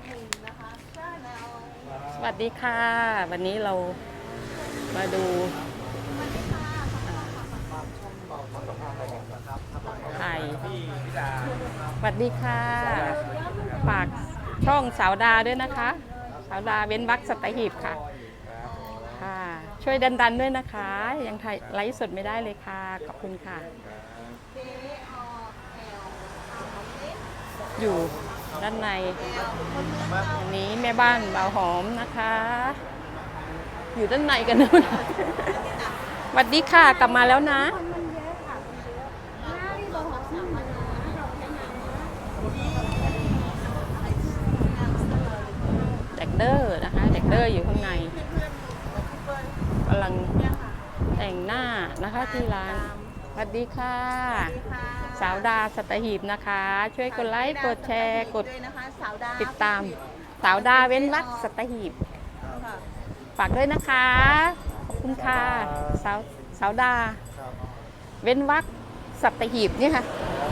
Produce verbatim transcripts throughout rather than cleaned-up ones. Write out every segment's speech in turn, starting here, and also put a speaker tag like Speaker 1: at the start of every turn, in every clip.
Speaker 1: สวัสดีค่ะวันนี้เรามาดูไข่สวัสดีค่ะฝากช่องสาวดาด้วยนะคะสาวดาเว้นวรรคสัตหีบค่ะค่ะช่วยดันๆด้วยนะคะยังถ่ายไลฟ์สดไม่ได้เลยค่ะขอบคุณค่ะอยู่ด้านในอันนี้แม่บ้านบ่าวหอมนะคะอยู่ด้านในกันนู่นสวัสดีค่ะกลับมาแล้วนะเด็กเดอร์นะคะเด็กเดอร์อยู่ข้างในกำลังแต่งหน้านะคะที่ร้านสวัสดีค่ะสาวดาสัตหีบนะคะช่วยกดไลค์กดแชร์กดติดตามสาวดาเว้นวรรคสัตหีบฝากด้วยนะคะขอบคุณค่ะสาวสาวดาเว้นวรรคสัตหีบนี่ค่ะ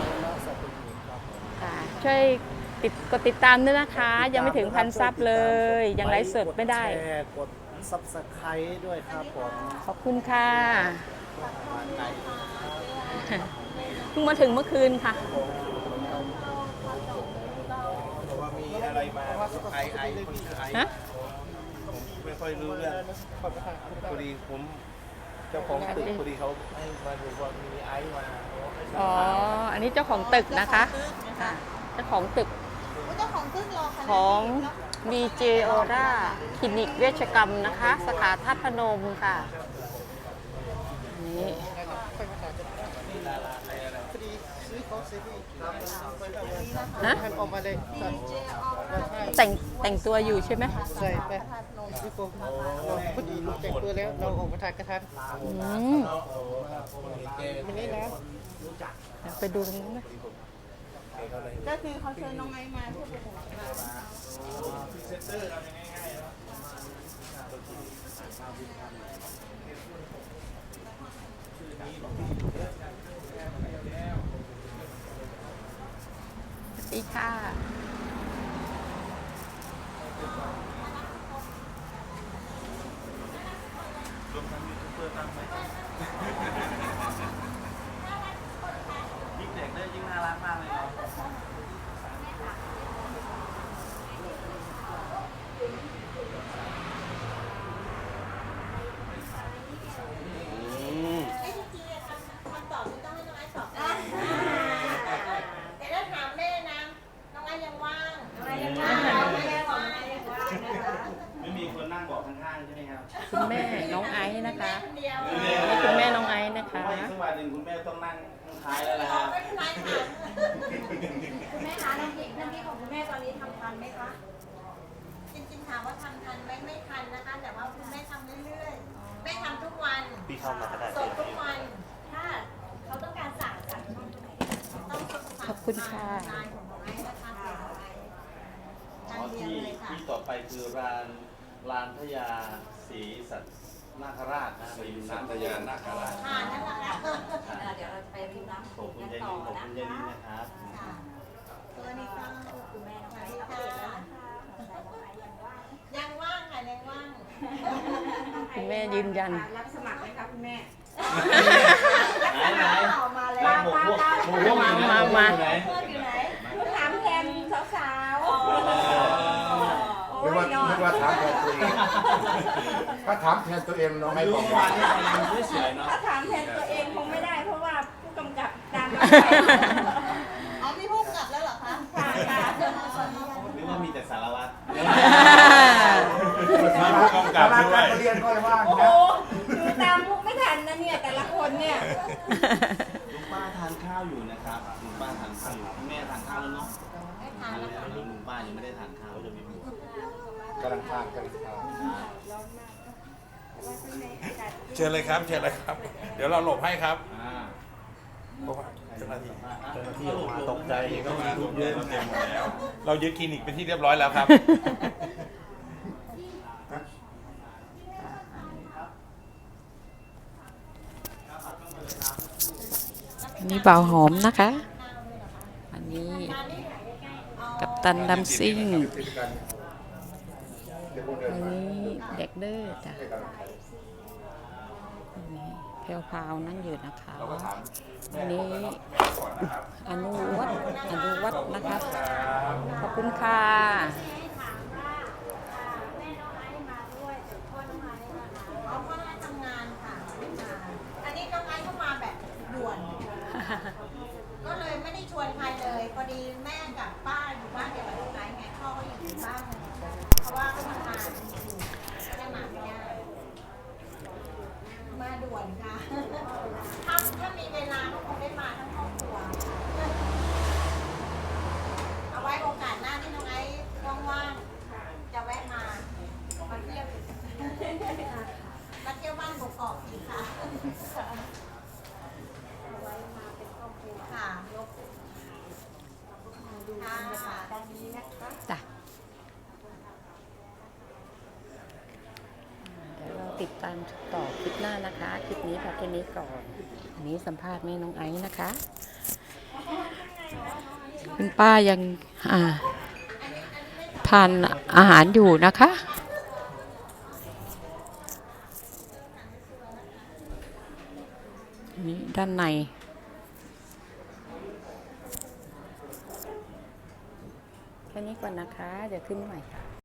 Speaker 1: ช่วยติดกดติดตามด้วยนะคะยังไม่ถึงพันซับเลยยังไลฟ์สดไม่ได้
Speaker 2: กดซับสไครต์ด้วยครับผม
Speaker 1: ขอบคุณค่ะเพิ่งมาถึงเมื่อคืนค่ะ
Speaker 2: บอกว่ามีอะไรมาไอไอคนชื่อไอผมไม่ค่อยรู้เรื่องพอดีผมเจ้าของตึกพอดีเขาให้มาดูว่ามีไอมา
Speaker 1: อ๋ออันนี้เจ้าของตึกนะคะเจ้าของตึกของ วี เจ Aura คลินิกเวชกรรมนะคะสาขาธาตุพนมค่ะนี่นะแต่งแต่งตัวอยู่ใช่ไหม
Speaker 2: ใช่ไปพี่โฟมเราพอดีลูกแต่งตัวแล้วเราออกมาถ่ายกระทัน
Speaker 1: อืม
Speaker 2: มันนี่นะ
Speaker 1: ไปดูตรงนั้นนะ
Speaker 3: ก็คือเขาเชิญน้องไอซ์มาเพื่อเป็นหลักฐาน
Speaker 2: เซ็นเตอร์เราง่ายๆ
Speaker 1: สวัสดีค่ะ
Speaker 2: รวมทั้งยูทูบเบอร์ตั้งไหมยิ่งเด็กเนี่ยยิ่งน่ารักมากเลยเนาะไม่มีคนนั่งบอกข้างๆใช่ไหมครับ
Speaker 1: คุณแม่น้องไอซ์นะคะนี่คุณแม่น้องไอซ์นะคะ
Speaker 2: ว่าอีกสักวันหนึ่งคุณแม่ต้องนั่งท้ายแล้วนะครับ
Speaker 3: คุณแม่คะน้ำพริกน้ำพริกของคุณแม่ตอนนี้ทำทันไหมคะจริงๆถามว่าทำทันไหมไม่ทันนะคะแต่ว่าคุณแม่ทำเรื่อยๆแม่ทำทุกวัน
Speaker 2: พี่เข้ามาก็ได้
Speaker 3: สดทุกวันถ้าเขาต้องการสั่งสั่งต้อง
Speaker 1: ขอบคุณค่ะ
Speaker 2: ที่ที่ต่อไปคือร้านร้านพญาศรีสัตนาคราชนะศรีสัตยานาคราช
Speaker 3: ค่ะนั่นแหละเดี๋ยวเราจะไปริมน้ำโขงกันต่อนะคะขอบคุณยายนิดนะครับตัวนี้ก็คุณแม่น้องไอซ์ค่ะยังว่างค่ะยังว่าง
Speaker 1: คุณแม่ยืนยัน
Speaker 3: รับสมัครไหมคะคุณแม่
Speaker 2: ไหนไหน
Speaker 3: มาแล้ว
Speaker 2: หมูพวกหมูพวกอยู่ไหน
Speaker 1: มามา
Speaker 3: อยู่ไหนถามแทนสาวๆ
Speaker 4: ไม่ว่าไม่ว่าถามแทนตัวเองถ้าถามแทนตัวเองน้องไม่บอกว่า
Speaker 3: ถ้าถามแทนตัวเองคงไม่ได้เพราะว่าผู้กำกับตามอ๋อมีผู้กำกับแล้วเหรอคะค่ะค่ะ
Speaker 2: หรือว่ามีแต่สารวัตร
Speaker 4: ผู้กำกับด้วยเรียนก็เลยว่า
Speaker 3: โอ้โหดูตามมุกไม่ทันนะเนี่ยแต่ละคนเนี่ย
Speaker 2: ลุงป้าทานข้าวอยู่นะครับลุงป้าทานข้าวอยู่แม่ทานข้าวแล้วเนาะ
Speaker 3: ไม่ทานแล้ว
Speaker 2: ลุงป้ายังไม่ได้ทานข้าวจะมีหมู
Speaker 4: กำลังทานกำลังทาน
Speaker 5: เชิญเลยครับเชิญเลยครับเดี๋ยวเราหลบให้ครับ
Speaker 2: เจ้าหน้าที่
Speaker 5: เจ้าหน้าที่
Speaker 2: มาตกใจก็มาทุกเยอะเต็มหมดแล้ว
Speaker 5: เรายึดคลินิกเป็นที่เรียบร้อยแล้วครับ
Speaker 1: อันนี้บ่าวหอมนะคะอันนี้กับตันดัมซิ่ง
Speaker 4: ติดกันเดี๋ยวพวกเดิ
Speaker 1: อั
Speaker 4: น
Speaker 1: น
Speaker 4: มา
Speaker 1: นี้เด็กเด้อจ้ะ
Speaker 4: ให้กำลังใจ
Speaker 1: อันนี้แพรวพราวนั่งอยู่นะคะ
Speaker 4: เราก็ถาม
Speaker 1: อันนี้อนุวัฒน์อนุวัฒน์นะคะ ขอบคุณค่ะ
Speaker 3: เอาพ่อให้ทำงานค่ะ อันนี้น้องไอซ์เข้ามาแบบด่วน ก็เลยไม่ได้ชวนใครเลย พอดีแม่กับป้าอยู่บ้านเดียวกับน้องไอซ์ไงพ่อก็อยู่บ้าน เพราะว่าเขาทำงานอยู่ก็ได้มาไม่ได้มาด่วนค่ะ ถ้าถ้ามีเวลาก็คงได้มาทั้งครอบครัว เอาไว้โอกาสหน้าที่น้องไอซ์ว่างๆจะแวะมามาเที่ยวอีกมาเที่ยวบ้านกกอกอีกค่ะเอาไว้มาเป็นครอบครัวค่ะยกดูบรรยากาศตอนนี้นะคะ
Speaker 1: จ้ะ เดี๋ยวเราติดตามต่อคลิปหน้านะคะ คลิปนี้พอแค่นี้ก่อน อันนี้สัมภาษณ์แม่น้องไอซ์นะคะ คุณป้ายังอ่าทานอาหารอยู่นะคะ นี่ด้านใน แค่นี้ก่อนนะคะ เดี๋ยวขึ้นใหม่ค่ะ